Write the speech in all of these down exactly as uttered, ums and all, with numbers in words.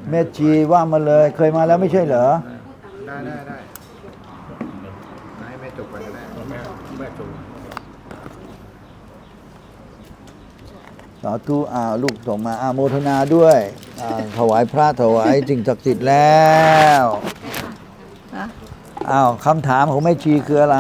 แม่ชีว่ามาเลยเคยมาแล้วไม่ใช่เหรอได้ได้ได้ให้แม่จบไปก็ได้แม่แม่จบสาธุอ่าลูกส่งมาอาโมทนาด้วยถวายพระถวายสิ่งศักดิ์สิทธิ์แล้วอ้าวคำถามของแม่ชีคืออะไร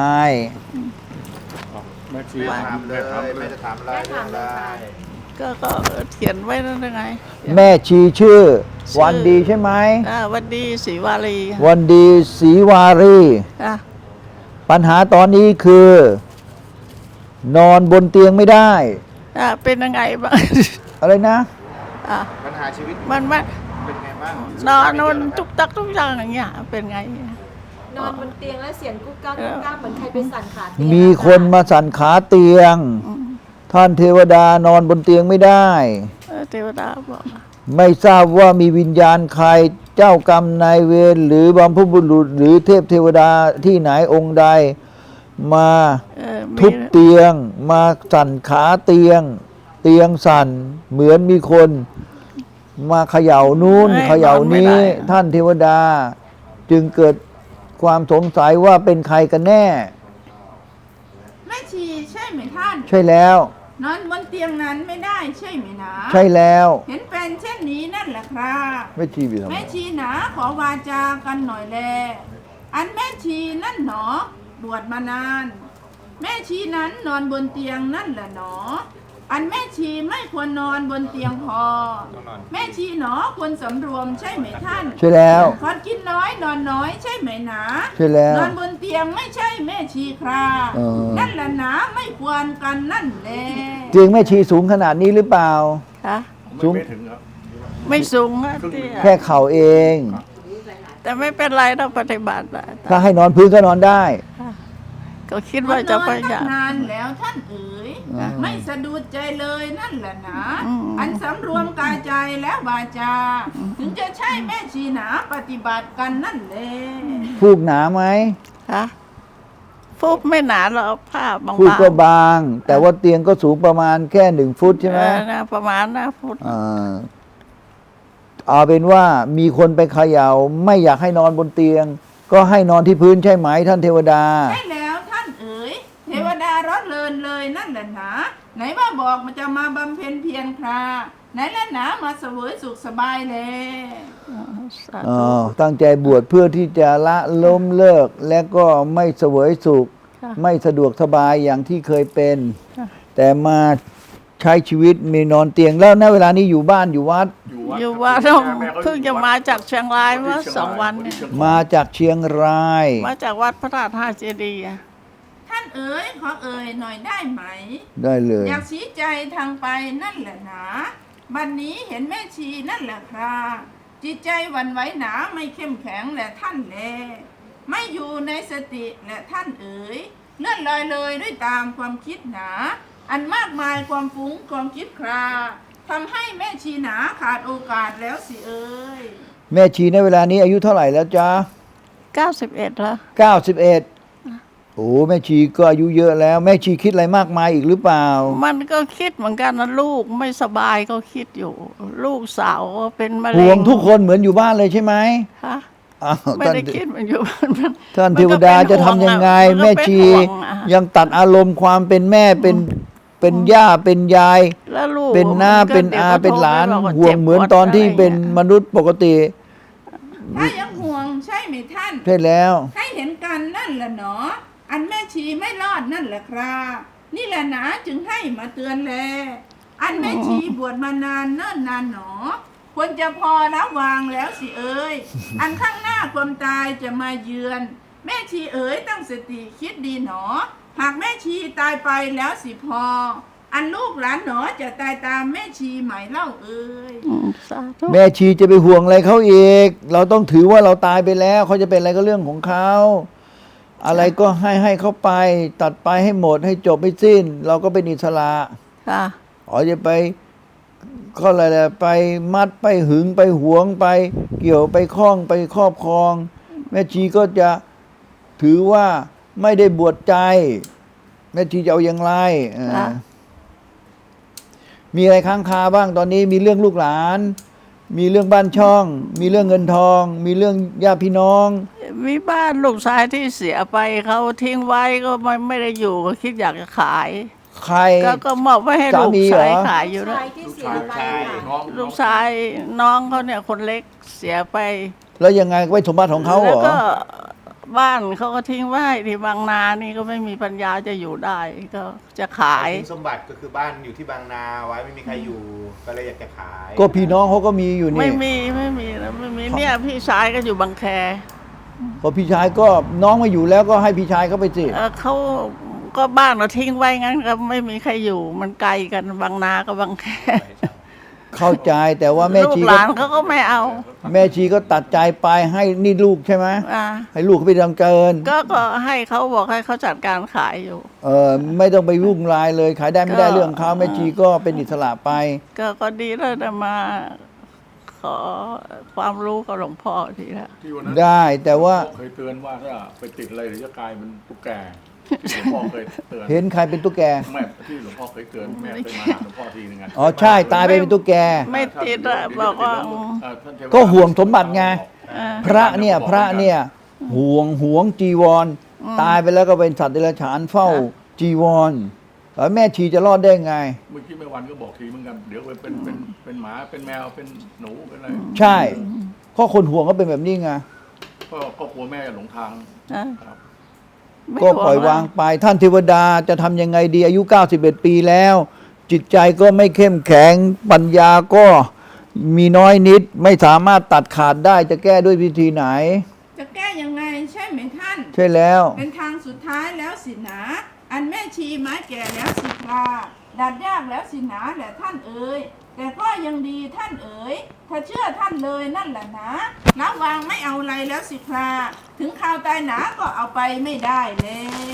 แม่ชีถามเลยแม่จะถามอะไรเรื่องอะไรก็ก็เขียนไว้นั่นไงแม่ชีชื่อวันดีใช่ไหมวันดีศรีวารีวันดีศรีวารีปัญหาตอนนี้คือ นอนบนเตียงไม่ได้เป็นยังไงบ้างอะไรนะปัญหาชีวิตมันมันเป็นไงบ้างนอนนอนทุกตักทุกอย่างอย่างเงี้ยเป็นไงนอนบนเตียงแล้วเสียงกุ๊กกักกุ๊กกักเหมือนใครไปสั่นขาเตียงมีคนมาสั่นขาเตียงท่านเทวดานอนบนเตียงไม่ได้เทวดาบอกไม่ทราบว่ามีวิญญาณใครเจ้ากรรมนายเวรหรือบรรพบุรุษหรือเทพเทวดาที่ไหนองค์ใดมาทุบเตียงมาสั่นขาเตียงเตียงสั่นเหมือนมีคนมาเขย่านู้นเขย่านี้ท่านเทวดาจึงเกิดความสงสัยว่าเป็นใครกันแน่แม่ชีใช่ไหมท่านใช่แล้วนอนบนเตียงนั้นไม่ได้ใช่ไหมนะใช่แล้วเห็นเป็นเช่นนี้นั่นแหละครับแม่ชีไปทำไมแม่ชีหนาขอวาจากันหน่อยแลอันแม่ชีนั่นหนอบวชมานานแม่ชีนั้นนอนบนเตียงนั่นแหละหนออันแม่ชีไม่ควรนอนบนเตียงพอแม่ชีหนอควรสำรวมใช่ไหมท่านใช่แล้วควรกินน้อยนอนน้อยใช่ไหมหนาใช่แล้วนอนบนเตียงไม่ใช่แม่ชีครานั่นแหละหนาไม่ควรกันนั่นแหละเตียงแม่ชีสูงขนาดนี้หรือเปล่าคะสูงไม่ถึงครับไม่สูงแค่เข่าเองแต่ไม่เป็นไรเราปฏิบัติถ้าให้นอนพื้นก็นอนได้ก็คิดว่าจะไปอย่างนานแล้วท่านเอ๋ยไม่สะดุดใจเลยนั่นแหละนะอันสำรวมกายใจและวาจาถึงจะใช่แม่ชีหนาปฏิบัติกันนั่นแหละฟูกหนาไหมฮะฟูกไม่หนาเราผ้าบางๆฟูกก็บางแต่ว่าเตียงก็สูงประมาณแค่หนึ่งฟุตใช่ไหมนะประมาณนะฟุตอ่าเอาเป็นว่ามีคนไปเขย่าไม่อยากให้นอนบนเตียงก็ให้นอนที่พื้นใช่ไหมท่านเทวดาใช่แล้วท่านเอ๋ยเทวดารถเลินเลยนั่นแหละหนาไหนว่าบอกมันจะมาบำเพ็ญเพียรคราไหนละหนามาเสวยสุขสบายเลยอ๋อตั้งใจบวชเพื่อที่จะละล้มเลิกและก็ไม่เสวยสุขไม่สะดวกสบายอย่างที่เคยเป็นแต่มาใช้ชีวิตมีนอนเตียงแล้วณเวลานี้อยู่บ้านอยู่วัดอยู่วัดเพิ่งจะมาจากเชียงรายเมื่อสองวันเนี่ยมาจากเชียงรายมาจากวัดพระธาตุห้าเจดีย์ท่านเอ๋ยขอเอ๋ยหน่อยได้ไหมได้เลยอยากชี้ใจทางไปนั่นแหละหนาบัดนี้เห็นแม่ชีนั่นแหละครับจิตใจหวั่นไหวหนาไม่เข้มแข็งแหละท่านแลไม่อยู่ในสติแหละท่านเอ๋ยเลื่อนลอยเลยด้วยตามความคิดหนาอันมากมายความฟุ้งความคิดคราทำให้แม่ชีหนาขาดโอกาสแล้วสิเอ๋ยแม่ชีในเวลานี้อายุเท่าไหร่แล้วจ๊ะเก้าสิบเอ็ดแล้วเก้าสิบเอ็ดโอ้แม่ชีก็อายุเยอะแล้วแม่ชีคิดอะไรมากมายอีกหรือเปล่ามันก็คิดเหมือนกันนะลูกไม่สบายก็คิดอยู่ลูกสาวเป็นมะเร็งห่วงทุกคนเหมือนอยู่บ้านเลยใช่ไหมฮะไม่ได้คิดมันอยู่บ้านท่านเทวดาจะทำยังไงแม่ชียังตัดอารมณ์ความเป็นแม่เป็นเป็นย่าเป็นยายเป็นน้าเป็นอาเป็นหลานห่วงเหมือนตอนที่เป็นมนุษย์ปกติถ้ายังห่วงใช่ไหมท่านใช่แล้วให้เห็นกันนั่นแหละเนาะอันแม่ชีไม่รอดนั่นแหละครับนี่แหละนะจึงให้มาเตือนแลอันแม่ชีบวชมานานเนิ่นนานหนอควรจะพอละวางแล้วสิเอ๋ยอันข้างหน้าความตายจะมาเยือนแม่ชีเอ๋ยตั้งสติคิดดีหนอหากแม่ชีตายไปแล้วสิพออันลูกหลานหนอจะตายตามแม่ชีไหมเล่าเอ๋ยแม่ชีจะไปห่วงอะไรเขาอีกเราต้องถือว่าเราตายไปแล้วเขาจะเป็นอะไรก็เรื่องของเขาอะไรก็ให้ให้เขาไปตัดไปให้หมดให้จบให้สิ้นเราก็เป็นอิสระค่ะอ๋อจะไปก็อะไรไปมัดไปหึงไปหวงไปเกี่ยวไปคล้องไปครอบครองแม่ชีก็จะถือว่าไม่ได้บวชใจแม่ชีจะเอาอย่างไรมีอะไรค้างคาบ้างตอนนี้มีเรื่องลูกหลานมีเรื่องบ้านช่อง มีเรื่องเงินทอง มีเรื่องญาติพี่น้องมีบ้านลูกชายที่เสียไปเขาทิ้งไว้ก็ไม่ไม่ได้อยู่ก็คิดอยากจะขายใครก็ก็มอบไว้ให้ลูกสามีเหรอชายขายอยู่นะชายที่เสียไปค่ะน้องลูกชายน้องเขาเนี่ยคนเล็กเสียไปแล้วยังไงไว้สมบัติของเขาเหรแล้วอก็บ้านเขาก็ทิ้งไว้ที่บางนานี่ก็ไม่มีปัญญาจะอยู่ได้ก็จะขายทิ้งสมบัติก็คือบ้านอยู่ที่บางนาไว้ไม่มีใครอยู่ก็เลยอยากจะขายก็พี่น้องเขาก็มีอยู่ไม่นี่มีไม่มีนะไม่มีเนี่ยพี่ชายก็อยู่บางแคพอพี่ชายก็น้องมาอยู่แล้วก็ให้พี่ชายเขาไปสิเอ่อเขาก็บ้านเราทิ้งไว้งั้นก็ไม่มีใครอยู่มันไกลกันบางนากับบางแคเข้าใจแต่ว่าแม่ลูกชีหก็ลานเขาก็ไม่เอาแม่ชีก็ตัดใจไปให้นี่ลูกใช่ไหมอ่าให้ลูกเขาไปทำเกินก็ก็ให้เขาบอกให้เขาจัดการขายอยู่เออไม่ต้องไปยุ่งรายเลย ขายได้ไม่ได้ก็เรื่องเขาแม่ชีก็เป็นอิสระไปก็ก็ดีแล้วนะมา ขอความรู้กับหลวงพ่อทีละที่วันนั้นได้แต่ว่าเคยเตือนว่าถ้าไปติดอะไรเดี๋ยวจะกลายเป็นตุ๊กแกหลวงพ่อเคยเตือนเห็นใครเป็นตุ๊กแกแม่ที่หลวงพ่อเคยเตือนแม่เคยมาหาหลวงพ่อทีนึงไงอ๋อใช่ตายไปเป็นตุ๊กแกไม่ติดอะบอกว่าเอ่อท่านเทวดาก็ห่วงสมบัติไงอ่าพระเนี่ยพระเนี่ยห่วงห่วงจีวร ตายไปแล้วก็เป็นสัตว์เดรัจฉานเฝ้าจีวรแล้วแม่ชีจะรอดได้ไงเมื่อกี้แม่วันก็บอกทีเหมือนกันเดี๋ยวไปเป็นเป็นเป็นหมาเป็นแมวเป็นหนูเป็นอะไรใช่ข้อคนห่วงก็เป็นแบบนี้ไงก็ก็กลัวแม่หลงทางอ่าครับไม่ก็ห่ปล่อยวางอะไปท่านเทวดาจะทำยังไงดีอายุเก้าสิบเอ็ดปีแล้ว จิตใจก็ไม่เข้มแข็งปัญญาก็มีน้อยนิด ไม่สามารถตัดขาดได้จะแก้ด้วยวิธีไหนจะแก้ยังไงใช่ไหมท่านใช่แล้วเป็นทางสุดท้ายแล้วสินะ อันแม่ชีไม้แก่แล้วสิคราดัดยากแล้วสินะแหละท่านเอ๋ยแต่ก็ยังดีท่านเอ๋ยถ้าเชื่อท่านเลยนั่นแหละนะละวางไม่เอาอะไรแล้วสิคราถึงข่าวตายหนาก็เอาไปไม่ได้เลย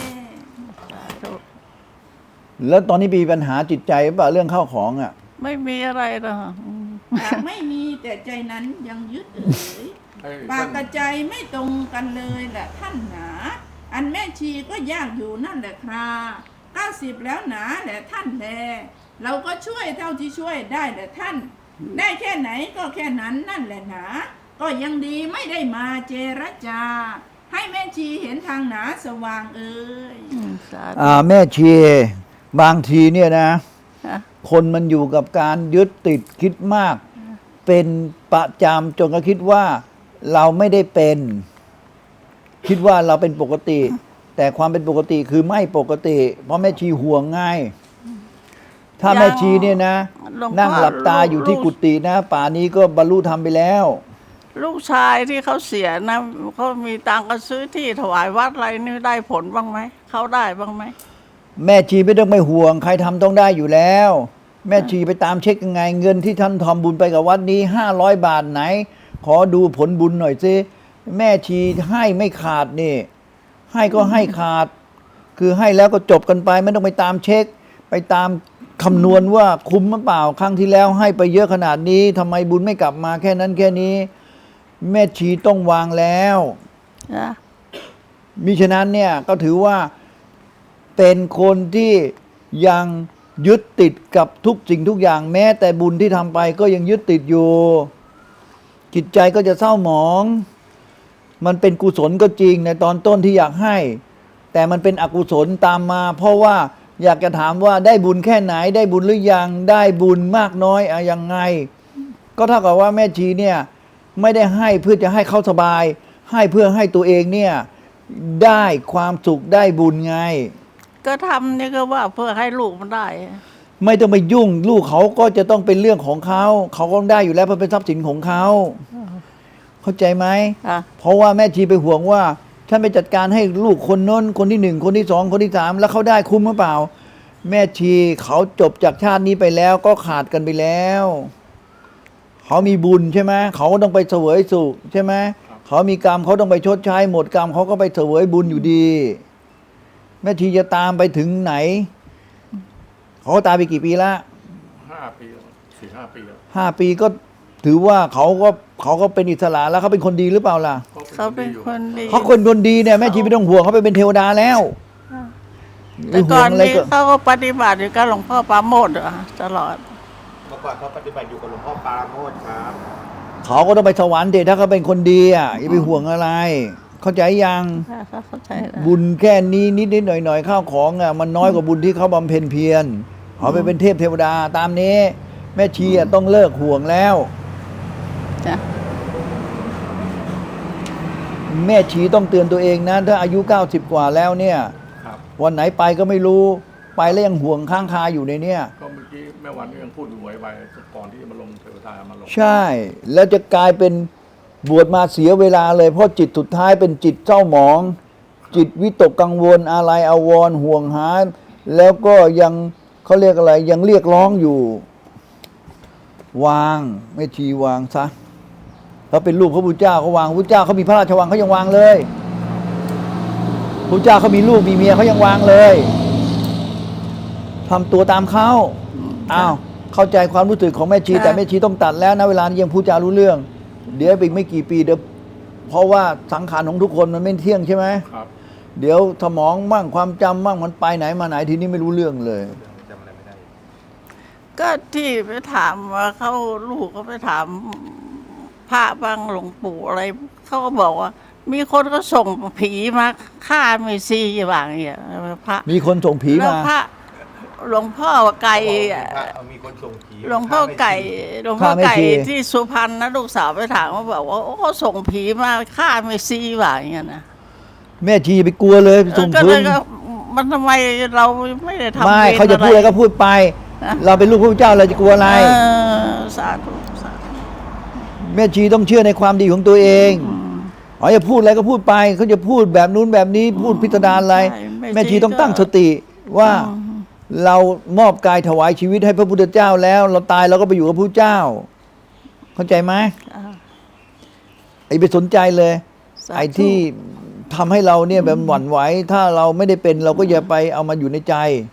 แล้วตอนนี้มีปัญหาจิตใจหรือเปล่าเรื่องข้าวของอ่ะไม่มีอะไรหรอกอืมหากไม่มีแต่ใจนั้นยังยึดเอ๋ยให้ปากท่านกับใจไม่ตรงกันเลยแหละท่านหนา อันแม่ชีก็ยากอยู่นั่นแหละคราเก้าสิบแล้วหนาแหละท่านแลเราก็ช่วยเท่าที่ช่วยได้แหละท่าน ได้แค่ไหนก็แค่นั้นนั่นแหละหนา ก็ยังดีไม่ได้มาเจรจา ให้แม่ชีเห็นทางหนาสว่างเอ่ยอืมสาธุอ่าแม่ชีบางทีเนี่ยนะอ่ะคนมันอยู่กับการยึดติดคิดมาก เป็นประจำจนก็คิดว่าเราไม่ได้เป็น คิดว่าเราเป็นปกติ แต่ความเป็นปกติคือไม่ปกติ เพราะแม่ชีห่วงง่าย ถ้าแม่ชีเนี่ยนะหลวงพ่อนั่งหลับตาอยู่ที่กุฏินะ ป่านี้ก็บรรลุธรรมไปแล้วลูกชายที่เขาเสียนะเขามีตังค์ก็ซื้อที่ถวายวัดอะไรนี่ได้ผลบ้างไหมเขาได้บ้างไหมแม่ชีไม่ต้องไปห่วง ใครทำต้องได้อยู่แล้ว แม่ชีไปตามเช็คยังไง เงินที่ท่านทำบุญไปกับวัดนี้ห้าร้อยบาทไหน ขอดูผลบุญหน่อยสิแม่ชีให้ไม่ขาดนี่ ให้ก็ให้ขาด คือให้แล้วก็จบกันไป ไม่ต้องไปตามเช็ค ไปตามคำนวณว่าคุ้มหรือเปล่าครั้งที่แล้วให้ไปเยอะขนาดนี้ทำไมบุญไม่กลับมาแค่นั้นแค่นี้ แม่ชีต้องวางแล้วนะมิฉะนั้นเนี่ยก็ถือว่าเป็นคนที่ยังยึดติดกับทุกสิ่งทุกอย่างแม้แต่บุญที่ทำไปก็ยังยึดติดอยู่ จิตใจก็จะเศร้าหมอง มันเป็นกุศลก็จริงในตอนต้นที่อยากให้ แต่มันเป็นอกุศลตามมา เพราะว่าอยากจะถามว่าได้บุญแค่ไหนได้บุญหรือยังได้บุญมากน้อยอะยังไง ก็เท่ากับว่าแม่ชีเนี่ยไม่ได้ให้เพื่อจะให้เขาสบาย ให้เพื่อให้ตัวเองเนี่ยได้ความสุขได้บุญไงก็ทำนี่ก็ว่าเพื่อให้ลูกมันได้ไม่ต้องไปยุ่งลูกเขาก็จะต้องเป็นเรื่องของเขาเขาก็ได้อยู่แล้วเพราะเป็นทรัพย์สินของเขาเข้าใจไหมอ่ะเพราะว่าแม่ชีไปห่วงว่าฉันไปจัดการให้ลูกคนน้นคนที่หนึ่งคนที่สองคนที่สามแล้วเขาได้คุ้มหรือเปล่า แม่ชีเขาจบจากชาตินี้ไปแล้วก็ขาดกันไปแล้วเขามีบุญใช่ไหมเขาก็ต้องไปเสวยสุขใช่ไหมเขามีกรรมเขาต้องไปชดใช้หมดกรรมเขาก็ไปเสวยบุญอยู่ดี แม่ชีจะตามไปถึงไหนเขาตายไปกี่ปีละห้าปีแล้วสี่ห้าปีแล้วห้าปีก็ถือว่าเขาก็เขาก็เป็นอิสระแล้วเขาเป็นคนดีหรือเปล่าล่ะเขาเป็นคนดีเขาคนคนดีเนี่ยแม่ชีไม่ต้องห่วงเขาไปเป็นเทวดาแล้วแต่ก่อนไม่ห่วงอะไรนี้เขาก็ปฏิบัติอยู่กับหลวงพ่อปราโมทย์อะตลอดเมื่อก่อนเขาปฏิบัติอยู่กับหลวงพ่อปราโมทย์ครับเขาก็ต้องไปสวรรค์เด็ถ้าเขาเป็นคนดีอ่ะอย่าไปห่วงอะไร เข้าใจยังค่ะเข้าใจแล้วบุญแค่นี้นิดนิดหน่อยหน่อยๆข้าวของอ่ะมันน้อยกว่าบุญที่เขาบำเพ็ญเพียรเขาไปเป็นเทพเทวดาตามนี้ แม่ชีอ่ะต้องเลิกห่วงแล้วจ้ะแม่ชีต้องเตือนตัวเองนะถ้าอายุเก้าสิบกว่าแล้วเนี่ยครับวันไหนไปก็ไม่รู้ไปแล้วยังห่วงข้างคาอยู่ในเนี่ยก็เมื่อกี้แม่วันก็ยังพูดอยู่ไว้ไปก่อนที่จะมาลงเทวทามาลงใช่ แล้วจะกลายเป็นบวชมาเสียเวลาเลย เพราะจิตสุดท้ายเป็นจิตเศร้าหมอง จิตวิตกกังวลอะไรอาวรณ์ห่วงหา แล้วก็ยังเขาเรียกอะไร ยังเรียกร้องอยู่ วางไม่ชีวางซะเขาเป็นลูกพระพุทธเจ้าเขาวางพระพุทธเจ้าเขามีพระราชวังเขายังวางเลยพระพุทธเจ้าเขามีลูกมีเมียเขายังวางเลยทำตัวตามเขาอ้าวเข้าใจความรู้สึกของแม่ชีแต่แม่ชีต้องตัดแล้วนะเวลานี้ยังพูดจารู้เรื่อง เดี๋ยวอีกไม่กี่ปีเดี๋ยวเพราะว่าสังขารของทุกคนมันไม่เที่ยงใช่ไหมครับเดี๋ยวสมองมั่งความจำมั่งมันไปไหนมาไหนทีนี้ไม่รู้เรื่องเลยจำอะไรไม่ได้ก็ที่ไปถามว่าเขาลูกก็ไปถามพระบางหลวงปู่อะไรเขาก็บอกว่า มีคนก็ส่งผีมาฆ่าเมซีบางอย่างพระมีคนส่งผีแล้วมาพระหลวงพ่อไก่อะมีคนส่งผีหลวงพ่อไก่หลวงพ่อฆ่าไม่ไก่ชีที่สุพรรณนะลูกสาวไปถามว่าบอกว่าโอ้เขาส่งผีมาฆ่าเมซีบางอย่างนะแม่ชีอย่าไปกลัวเลยส่งก็คืเลนยก็มันทำไมเราไม่ได้ทำไม่วรเขาจะพูดอะไรก็พูดไปนะเราเป็นลูกพระพุทธเจ้าเราจะกลัวอะไรเออสาธุสาธุแม่ชีต้องเชื่อในความดีของตัวเองอ๋ออย่าพูดอะไรก็พูดไปเขาจะพูดแบบนู้นแบบนี้พูดพิสดารอะไรใช่แม่ชีต้องตั้งสติว่าเรามอบกายถวายชีวิตให้พระพุทธเจ้าแล้ว เราตายเราก็ไปอยู่กับพระพุทธเจ้า เข้าใจไหมอ่าไอ้ไปสนใจเลยสาธุไอ้ที่ทำให้เราเนี่ยแบบหวั่นไหวถ้าเราไม่ได้เป็นเราก็อย่าไปเอามาอยู่ในใจ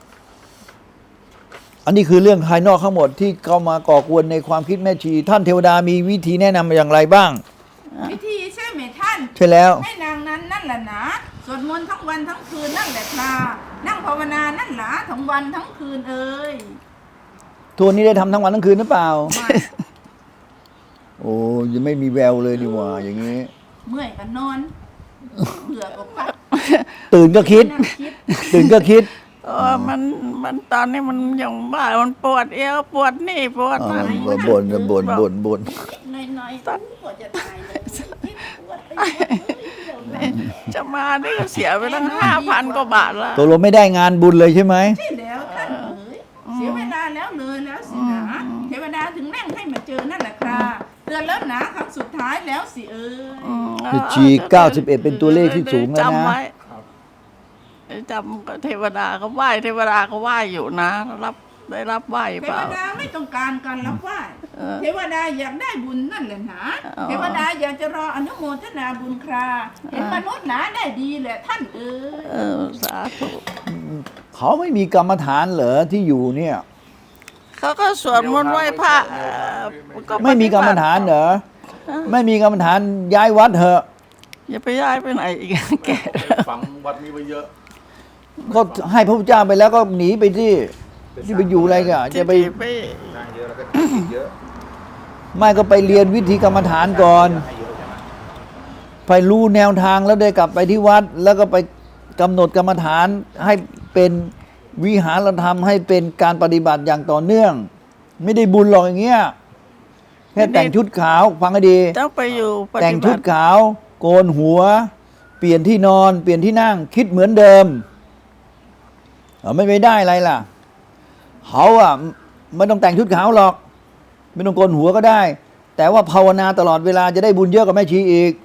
อันนี้คือเรื่องภายนอกทั้งหมดที่เข้ามาก่อกวนในความคิดแม่ชี ท่านเทวดามีวิธีแนะนำอย่างไรบ้างวิธีใช่ไหมท่านใช่แล้วให้นางนั้นนั่นแหละนะสวดมนต์ทั้งวันทั้งคืนนั่นแหละครับนั่งภาวนานั่นหละทั้งวันทั้งคืนเอ่ยทัวร์นี้ได้ทำทั้งวันทั้งคืนหรือเปล่าไม่โอ้ยังไม่มีแววเลยดีว่าอย่างนี้เมื่อยก็นอนเบื่อก็พักตื่นก็คิดนั่งคิดตื่นก็คิดเออมันมันตอนนี้มันยังบ้ามันปวดเอวปวดนี่ปวดอ่านั่นบ่นบ่นบ่นบ่นบ่นน้อยๆตันปวดจะตายเลยคิดปวดไปหมดเลยเดี๋ยวนะจะมานี่ก็เสียไปตั้งห้าพันกว่าบาทแล้วตกลงไม่ได้งานบุญเลยใช่ไหมใช่แล้วท่านเอ๋ยเสียเวลาแล้วเลยแล้วสินะเทวดาถึงแร่งให้มาเจอนั่นแหละครับเตือนแล้วนะครั้งสุดท้ายแล้วสิเอ๋ยอืมแม่ชีเก้าสิบเอ็ดเป็นตัวเลขที่สูงแล้วนะจำไว้ครับจำก็เทวดาเขาไหว้เทวดาเขาไหว้อยู่นะ รับได้รับไหว้เทเปวล่าดาไม่ต้องการการรับไหว้เออเทวดาอยากได้บุญนั่นแหละนะอ๋อเทวดาอยากจะรออนุโมทนาบุญคราเห็นมนุษย์หนาได้ดีแหละท่านเอ๋ยเออสาธุเขาไม่มีกรรมฐานเหรอที่อยู่เนี่ยเขาก็สวดมนต์ไหว้พระเอ่อก็ไม่มีกรรมฐานเหรอไม่มีกรรมฐานย้ายวัดเถอะอย่าไปย้ายไปไหนอีก แก่ฝังวัดนี้ไว้เยอะก็ให้พระพุทธเจ้าไปแล้วก็หนีไปที่ที่ไปอยู่อะไรกันจะไปไปสร้างเยอะแล้วก็ติดเยอะไม่ก็ไปเรียนวิธีกรรมฐานก่อนให้เยอะใช่ไหมไปรู้แนวทางแล้วได้กลับไปที่วัด แล้วก็ไปกำหนดกรรมฐานให้เป็นวิหารธรรมให้เป็นการปฏิบัติอย่างต่อเนื่อง ไม่ได้บุญหรอกอย่างเงี้ยแค่แต่งชุดขาวฟังให้ดีต้องไปอยู่ปแต่งฏิชุบัดติขาว โกนหัว เปลี่ยนที่นอน เปลี่ยนที่นั่ง คิดเหมือนเดิมเอาไม่ไปได้อะไรล่ะเขาอ่ะไม่ต้องแต่งชุดขาวหรอก ไม่ต้องโกนหัวก็ได้ แต่ว่าภาวนาตลอดเวลาจะได้บุญเยอะกว่าแม่ชีอีก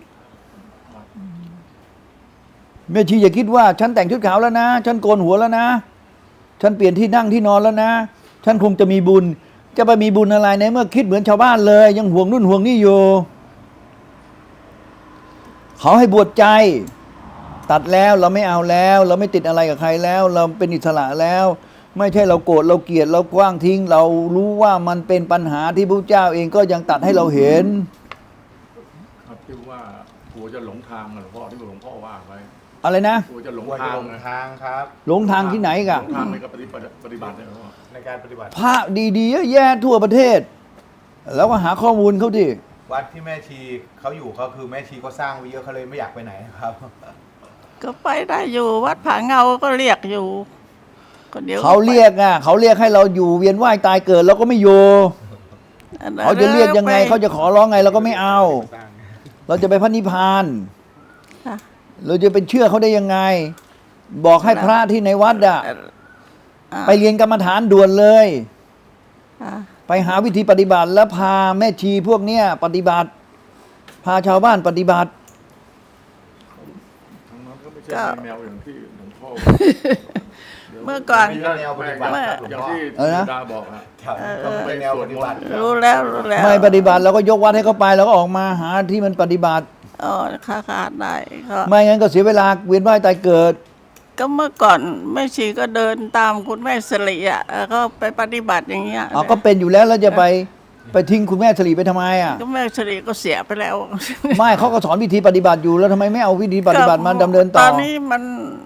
แม่ชีอย่าคิดว่า ฉันแต่งชุดขาวแล้วนะ ฉันโกนหัวแล้วนะ ฉันเปลี่ยนที่นั่งที่นอนแล้วนะ ฉันคงจะมีบุญ จะไปมีบุญอะไรในเมื่อคิดเหมือนชาวบ้านเลย ยังห่วงนู่นห่วงนี่อยู่ เขาให้บวชใจ ตัดแล้วเราไม่เอาแล้ว เราไม่ติดอะไรกับใครแล้ว เราเป็นอิสระแล้ว ไม่ใช่เราโกรธเราเกลียดเรากว้างทิ้ง เรารู้ว่ามันเป็นปัญหาที่พระเจ้าเองก็ยังตัดให้เราเห็นครับที่ว่ากลัวจะหลงทางอะหลวงพ่อที่หลวงพ่อว่าไว้อะไรนะกลัวจะหลงควรจะทางลงนะทางครับหลงทางที่ไหนกะหลงทางในการปฏิบัติปฏิบัติเนี่ยหลวงพ่อในการปฏิบัติพระดีๆเยอะแยะทั่วประเทศ แล้วก็หาข้อมูลเขาดิวัดที่แม่ชีเขาอยู่เขาคือแม่ชีก็สร้างไว้เยอะเขาเลยไม่อยากไปไหนครับก็ไปได้อยู่วัดผาเงาก็เรียกอยู่ก็ดี๋ยวเขาเรียกอ่ะเขาเรียกให้เราอยู่เวียนว่ายตายเกิดเราก็ไม่อยู่เขาจะเรียกยังไงเขาจะขอร้องไงเราก็ไม่เอาสร้างเราจะไปพระนิพพานค่ะเราจะเป็นเชื่อเขาได้ยังไง บอกให้พระที่ในวัดอ่ะอ่าไปเรียนกรรมฐานด่วนเลยอ่าไปหาวิธีปฏิบัติแล้วพาแม่ชีพวกเนี้ยปฏิบัติ พาชาวบ้านปฏิบัติทางนั้นก็ไม่ใช่แนวอย่างที่หลวงพ่อเมื่อก่อนมีแนวปฏิบัติครับหลวงอย่างพ่อที่เออนะดาบอกอะครับต้องเป็นแนวปฏิบัติรู้แล้วรู้แล้วไม่ปฏิบัติเราก็ยกวัดให้เขาไปแล้วก็ออกมาหาที่มันปฏิบัติอ๋อค่ะค่ะได้ก็ไม่งั้นก็เสียเวลาเวียนว่ายตายเกิดก็เมื่อก่อนแม่ชีก็เดินตามคุณแม่สิริอ่ะแล้วก็ไปปฏิบัติอย่างเงี้ยอ๋อก็เป็นอยู่แล้วแล้วจะไปไปทิ้งคุณแม่สลีไปทำไมอ่ะก็แม่สิริก็เสียไปแล้วไม่เขาก็สอนวิธีปฏิบัติอยู่แล้วทำไมไม่เอาวิธีปฏิบัติมาดำเนินต่ตออนนี้มัน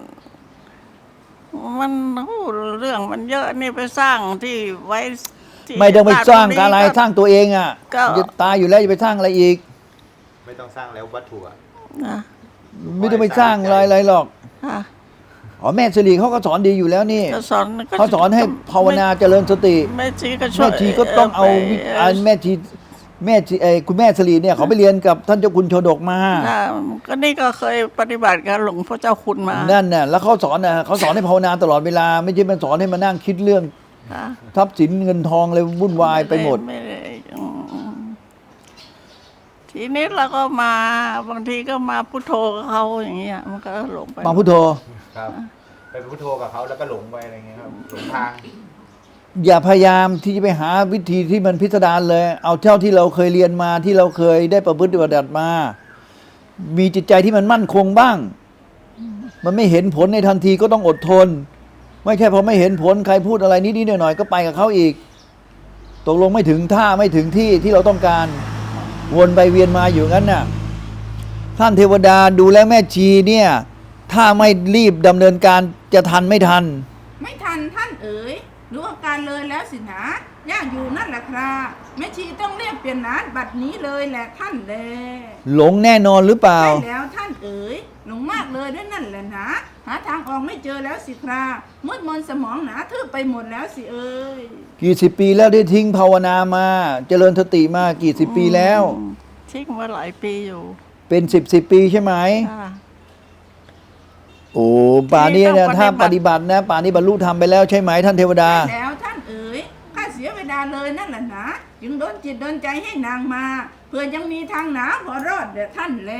มันโอ้เรื่องมันเยอะนี่ไปสร้างที่ไว้ที่ไม่ต้องไปสร้างบ้นอะไรตนี้สร้างตัวเองอ่ะก็จะตายอยู่แล้วจะไปสร้างอะไรอีกไม่ต้องสร้างแล้ววัตถุอะนะไม่ต้องไปสร้างอะไรอะไรหรอกค่ะอ๋อแม่สิริเขาก็สอนดีอยู่แล้วนี่ก็สอนก็เขาสอนให้ภาวนาเจริญสติแม่ชีก็ช่วแม่ยชีก็ต้องเอาวิไปอันแม่ชีแม่ชีเอยคุณแม่สลีเนี่ยเขาไปเรียนกับท่านเจ้าคุณโชดกมาอ่าก็นี่ก็เคยปฏิบัติกับหลวงพ่อเจ้าคุณมานั่นน่ะแล้วเขาสอนน่ะเขาสอนให้ภาวนาตลอดเวลา ไม่ใช่มาสอนให้มานั่งคิดเรื่องค่ะทรัพย์สินเงินทองเลยวุ่นวายไปหมดไม่ได้อืมทีนี้เราก็มาบางทีก็มาพุทโธกับเขาอย่างเงี้ยมันก็หลงไปมาพุทโธครับ ไปพุทโธกับเขาแล้วก็หลงไปอะไรเงี้ยครับหลงทางอย่าพยายามที่จะไปหาวิธีที่มันพิสดารเลย เอาเท่าที่เราเคยเรียนมาที่เราเคยได้ประพฤติปฏิบัติมา มีจิตใจที่มันมั่นคงบ้าง มันไม่เห็นผลในทันทีก็ต้องอดทน ไม่ใช่พอไม่เห็นผลใครพูดอะไรนิดๆหน่อยๆก็ไปกับเขาอีก ตกลงไม่ถึงท่าไม่ถึงที่ที่เราต้องการ วนไปเวียนมาอยู่งั้นน่ะ ท่านเทวดาดูแลแม่ชีเนี่ย ถ้าไม่รีบดำเนินการจะทันไม่ทันไม่ทันท่านเอ๋ยรู้อาการเลยแล้วสินะยากอยู่นั่นแหละครับแม่ชีต้องเรียกเปลี่ยนนานบัดนี้เลยแหละท่านแลหลงแน่นอนหรือเปล่าใช่แล้วท่านเอ๋ยหลงมากเลยด้วยนั่นแหละนะหาทางออกไม่เจอแล้วสิครับมืดมนสมองหนาทึบไปหมดแล้วสิเอ๋ยกี่สิบปีแล้วได้ทิ้งภาวนามา เจริญสติมากี่สิบปีแล้วอืมทิ้งมาหลายปีอยู่เป็นสิบสิบปีใช่ไหมค่ะโอ้ป่านนี้นี่เนี่ยต้องถ้าปปฏิฏิบับัติตินะป่านนี้บรรลุธรรมไปแล้วใช่ไหมท่านเทวดาใช่แล้วท่านเอ๋ยข้าเสียเวลาเลยนั่นแหละนะจึงโดนจิตโดนใจให้นางมาเพื่อยังมีทางหนาพอรอดเดี๋ยวท่านแล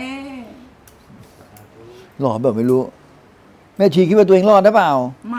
หลอดแบบไม่รู้ แม่ชีคิดว่าตัวเองรอดหรือเปล่าไม่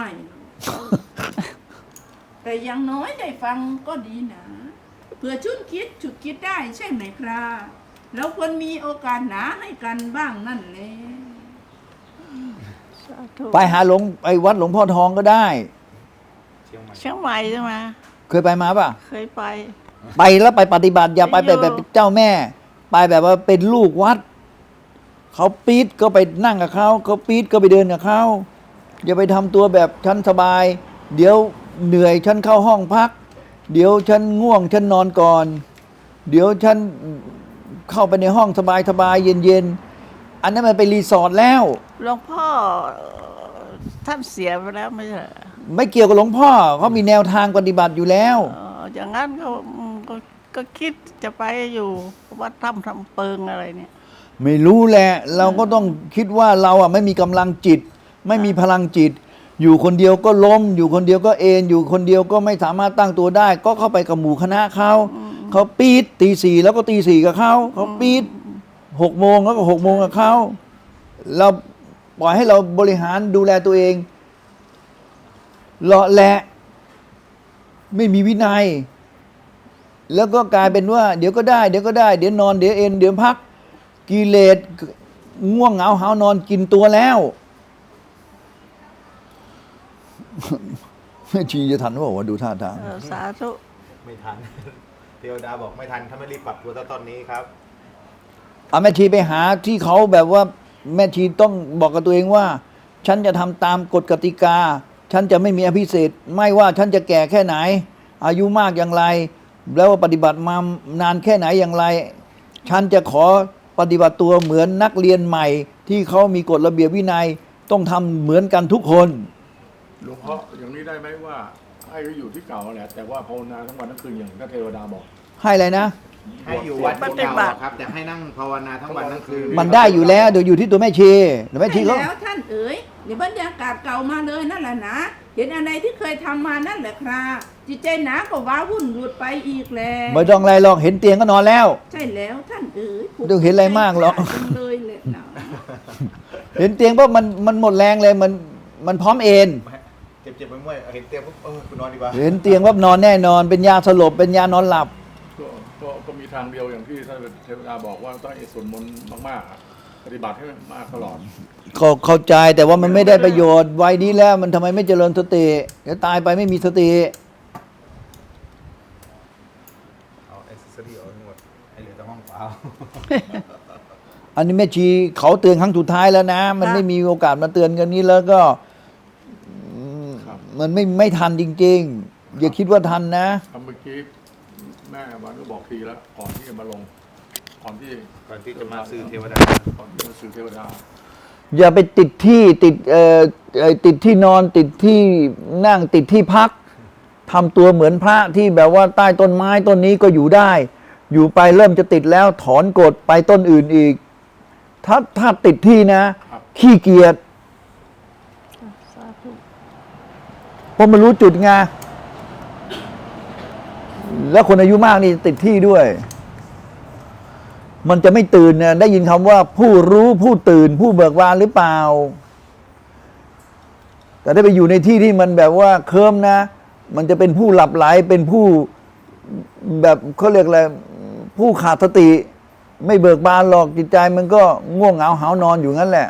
แต่อยังน้อยได้ฟังก็ดีนะเพื่อชุนคิดฉุดคิดได้ใช่ไหมครับเราควรมีโอกาสหนาให้กันบ้างนั่นแหละสาธุไปหาหลวงไปวัดหลวงพ่อทองก็ได้เชียงใหม่เชียงใหม่ใช่ไหมเคยไปมาป่ะเคยไปไปแล้วไปปฏิบัติอย่าไปไปอยู่แบบแบบเจ้าแม่ ไปแบบว่าเป็นลูกวัด เขาปี๊ดก็ไปนั่งกับเขาเขาปี๊ดก็ไปเดินกับเขาอย่าไปทำตัวแบบฉันสบาย เดี๋ยวเหนื่อยฉันเข้าห้องพัก เดี๋ยวฉันง่วงฉันนอนก่อน เดี๋ยวฉันเข้าไปในห้องสบายสบายเย็นเย็นๆอันนั้นมันเป็นรีสอร์ทแล้วหลวงพ่อเอ่อท่านเสียไปแล้วไม่ใช่เหรอไม่เกี่ยวกับหลวงพ่อเขามีแนวทางปฏิบัติอยู่แล้วเอ่ออย่างนั้นก็อืมก็ก็คิดจะไปอยู่วัดถ้ำทำเปิงอะไรเนี่ยไม่รู้แหละ เราก็ต้องคิดว่าเราอ่ะไม่มีกำลังจิต ไม่มีพลังจิต อยู่คนเดียวก็ล้ม อยู่คนเดียวก็เอนอยู่คนเดียวก็ไม่สามารถตั้งตัวได้ ก็เข้าไปกับหมู่คณะเขาเขาปี๊ดตีสี่แล้วก็ตีสี่กับเขาเขาปี๊ดหกโมงแล้วก็หกโมงกับเขาเราปล่อยให้เราบริหารดูแลตัวเองเลาะแหละไม่มีวินัย แล้วก็กลายเป็นว่า เดี๋ยวก็ได้เดี๋ยวก็ได้เดี๋ยวนอนเดี๋ยวเอนเดี๋ยวพักกิเลสง่วงเหงาหาวนอนกินตัวแล้วแม่ชีจะทันว่าว่าดูท่าทางเออสาธุไม่ทัน เทวดาบอกไม่ทันถ้าไม่รีบปรับตัวตอนนี้ครับเอาแม่ชีไปหาที่เขาแบบว่าแม่ชีต้องบอกกับตัวเองว่า ฉันจะทำตามกฎกติกา ฉันจะไม่มีอภิเศษไม่ว่าฉันจะแก่แค่ไหน อายุมากอย่างไร แล้วปฏิบัติมานานแค่ไหนอย่างไรฉันจะขอปฏิบัติตัวเหมือนนักเรียนใหม่ ที่เขามีกฎระเบียบวินัยต้องทำเหมือนกันทุกคนหลวงพ่ออย่างนี้ได้ไหมว่าให้เขาอยู่ที่เก่าแหละแต่ว่าภาวนาทั้งวันทั้งคืนอย่างพระเทวดาบอกให้อะไรนะให้อยู่วัดเก่าๆครับแต่ให้นั่งภาวนาทั้งวันทั้งคืนมันได้อยู่แล้วเดี๋ยวอยู่ที่ตัวแม่ชีแต่แม่ชีใช่เขาแล้วท่านเอ๋ยเดี๋ยวบรรยากาศเก่ามาเลยนั่นแหละนะเห็นอะไรที่เคยทำมานั่นแหละครับจิตใจหนาก็ว้าวุ่นหลุดไปอีกแล้วไม่ต้องอะไรหรอกเห็นเตียงก็นอนแล้วใช่แล้วท่านเอ๋ยไม่ต้องเห็นอะไรมากหรอกจังเลยแหละนะเห็นเตียงเพราะมันมันหมดแรงเลยมันมันพร้อมเอนเจ็บๆไปเมื่อยเห็นเตียงปุ๊บเออคุณนอนดีกว่าเห็นเตียงว่านอนแน่นอน เป็นยาสลบเป็นยานอนหลับก็ก็ก็มีทางเดียวอย่างที่ท่านเทวดาบอกว่าต้องให้สวดมนต์มากๆอะปฏิบัติให้มากตลอดก็เข้าใจแต่ว่ามันไม่ได้ประโยชน์วัยนี้แล้วมันทำไมไม่เจริญสติเดี๋ยวตายไปไม่มีสติเอาเอเซอรี่ออกทั้งหมดให้เหลือแต่ห้องเปล่าอันนี้แม่ชีเขาเตือนครั้งสุดท้ายแล้วนะ มันไม่มีโอกาสมาเตือนกันนี้แล้วก็อืมครับมันไม่ไม่ทันจริงๆ อย่าคิดว่าทันนะทำเมื่อกี้แม่วันก็บอกทีแล้วก่อนที่จะมาลงก่อนที่ก่อนที่จะมาซื้อเทวดาก่อนที่จะสื่อเทวดาอย่าไปติดที่ติดเอ่อเอ่อติดที่นอนติดที่นั่งติดที่พักทำตัวเหมือนพระที่แบบว่าใต้ต้นไม้ต้นนี้ก็อยู่ได้ อยู่ไปเริ่มจะติดแล้วถอนกฎไปต้นอื่นอีก ถ้าถ้าติดที่นะครับขี้เกียจสาธุเพราะมันรู้จุดไงแล้วคนอายุมากนี่ติดที่ด้วย มันจะไม่ตื่นนะได้ยินคำว่า ผู้รู้ผู้ตื่น ผู้เบิกบานหรือเปล่า แต่ได้ไปอยู่ในที่ที่มันแบบว่าเคลิ้มนะ มันจะเป็นผู้หลับไหลเป็นผู้แบบเขาเรียกอะไรผู้ขาดสติ ไม่เบิกบานหรอกจิตใจมันก็ง่วงเหงาหาวนอนอยู่งั้นแหละ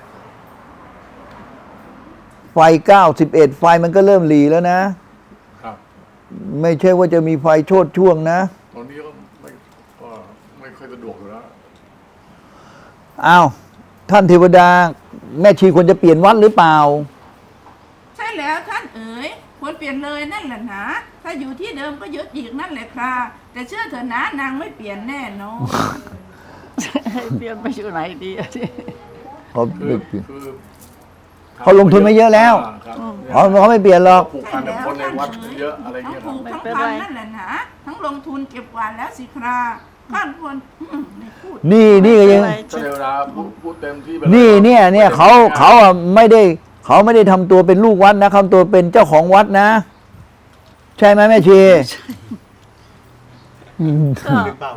ไฟเก้าสิบเอ็ดไฟมันก็เริ่มหลีแล้วนะครับไม่ใช่ว่าจะมีไฟโชดช่วงนะตอนนี้ก็ไม่ก็ไม่ค่อยสะดวกอยู่แล้วอ้าวท่านเทวดา แม่ชีควรจะเปลี่ยนวัดหรือเปล่าใช่แล้วท่านเอ๋ยควรเปลี่ยนเลยนั่นแหละนะถ้าอยู่ที่เดิมก็ยึดอีกนั่นแหละครับแต่เชื่อเถอะนะนางไม่เปลี่ยนแน่นอนให้เปลี่ยนไปอยู่ไหนดีอะที่เขาคือไม่เปลี่ยนคือเขาลงทุนมาเยอะแล้วอ่าครับเขาเขาไม่เปลี่ยนหรอกผูกพันกับคนในวัดเยอะอะไรทั้งเงี้ยคผูรับกทั้งพันนั่นแหละนะทั้งลงทุนเก็บกวาดแล้วสิคราข้านควรอืมไม่พูดนี่นี่ก็ยังไม่ถ้าเป็นไรเทวดาพูดพูดเต็มที่ไปลนี่เนี่ยเนี่ยเขาไม่ได้เขาอ่ะไม่ได้ เขาไม่ได้ทำตัวเป็นลูกวัดนะทำตัวเป็นเจ้าของวัดนะ ใช่ไหมแม่ชีก็หรือเปล่า